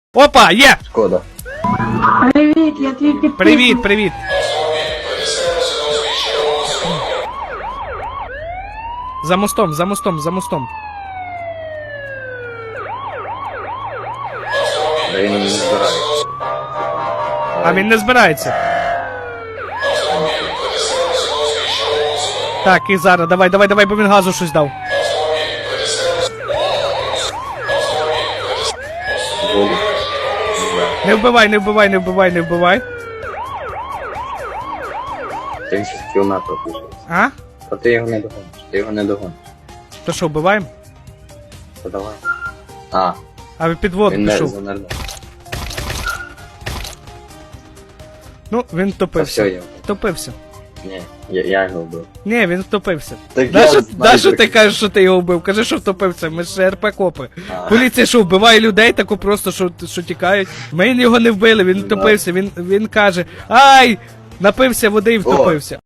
Опа, є! Шкода. Привіт, я твій підписник. Привіт, привіт. За мостом, за мостом, за мостом. Да він не збирається. А він не збирається. Так, і зараз, давай, давай, давай, бо він газу щось дав. Воду. Не вбивай, не вбивай, не вбивай, не вбивай. 30 кілометрів пішов. А? А ти його не догониш. Ти його не догониш. То що, вбиваємо? Та давай. А, А під воду він не пішов. занирнув. Ну, він Та все втопився. його. Втопився. Ні, я його вбив. Ні, він втопився. Так Нащо ти кажеш, що ти його вбив? Кажи, що втопився, ми ж РП-копи. А. Поліція що, вбиває людей тако просто, що тікають? Ми його не вбили, він втопився, він каже, ай, напився води і втопився.